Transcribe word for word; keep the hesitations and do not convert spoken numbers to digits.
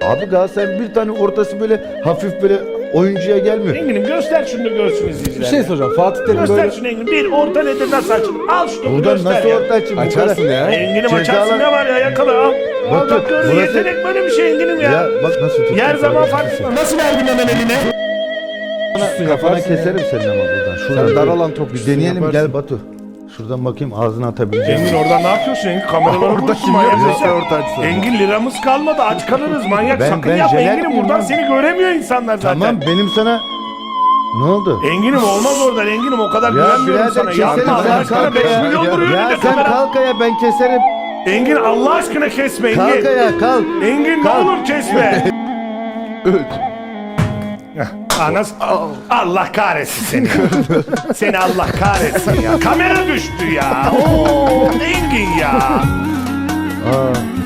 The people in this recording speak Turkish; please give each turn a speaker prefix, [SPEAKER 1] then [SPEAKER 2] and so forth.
[SPEAKER 1] Abi Galatasaray'ın bir tane ortası böyle hafif böyle oyuncuya gelmiyor.
[SPEAKER 2] Engin'im göster şunu da görsün izleyiciler.
[SPEAKER 3] Bir şey soracağım. Fatih Terim
[SPEAKER 2] Göster
[SPEAKER 3] böyle...
[SPEAKER 2] şunu Engin. Bir orta nedir nasıl açılır? Al şunu
[SPEAKER 1] Buradan
[SPEAKER 2] göster
[SPEAKER 1] nasıl
[SPEAKER 2] ya.
[SPEAKER 1] orta açayım? Bu
[SPEAKER 3] Açarsın
[SPEAKER 1] kadar-
[SPEAKER 3] ya.
[SPEAKER 2] Engin'im
[SPEAKER 1] Cezalar-
[SPEAKER 2] açarsın ne var ya yakala al. Al
[SPEAKER 1] Batu,
[SPEAKER 2] bak gördün
[SPEAKER 1] burası-
[SPEAKER 2] yetenek böyle bir şey Engin'im ya.
[SPEAKER 1] Ya bak nasıl tutuyor.
[SPEAKER 2] Yer zaman farklı. Nasıl verdin hemen eline?
[SPEAKER 1] Kafana, kafana
[SPEAKER 3] yaparsın
[SPEAKER 1] keserim senin ama buradan. Şuradan
[SPEAKER 3] Sen
[SPEAKER 1] dar
[SPEAKER 3] bir-
[SPEAKER 1] alan top bir deneyelim
[SPEAKER 3] yaparsın.
[SPEAKER 1] gel Batu. Şuradan bakayım ağzına atabileceğim.
[SPEAKER 2] Engin oradan ne yapıyorsun Engin? Kameraları
[SPEAKER 3] Orada
[SPEAKER 2] vurursun
[SPEAKER 3] kim
[SPEAKER 2] manyak
[SPEAKER 3] yapıyor?
[SPEAKER 2] mısın?
[SPEAKER 3] Orta açsın.
[SPEAKER 2] Engin liramız kalmadı aç kalırız manyak
[SPEAKER 1] Ben-
[SPEAKER 2] sakın
[SPEAKER 1] ben
[SPEAKER 2] yapma
[SPEAKER 1] jeler
[SPEAKER 2] Engin'im
[SPEAKER 1] miyim
[SPEAKER 2] buradan
[SPEAKER 1] lan?
[SPEAKER 2] seni göremiyor insanlar zaten.
[SPEAKER 1] Tamam benim sana... Ne oldu?
[SPEAKER 2] Engin'im olmaz oradan Engin'im o kadar
[SPEAKER 1] Ya
[SPEAKER 2] güvenmiyorum
[SPEAKER 1] birader
[SPEAKER 2] sana.
[SPEAKER 1] keserim
[SPEAKER 2] Yapma Allah
[SPEAKER 1] sen
[SPEAKER 2] aşkına
[SPEAKER 1] kalk
[SPEAKER 2] beş
[SPEAKER 1] ya.
[SPEAKER 2] milyon vuruyor
[SPEAKER 1] Ya
[SPEAKER 2] önünde
[SPEAKER 1] sen
[SPEAKER 2] kamera.
[SPEAKER 1] kalk ya ben keserim.
[SPEAKER 2] Engin Allah aşkına kesme Engin.
[SPEAKER 1] Kalk ya kalk.
[SPEAKER 2] Engin ne
[SPEAKER 1] Kalk.
[SPEAKER 2] olur kesme. Anas Allah kahretsin seni ya. Seni Allah kahretsin ya. Kamera düştü ya. Oo, Engin ya.
[SPEAKER 1] Aa,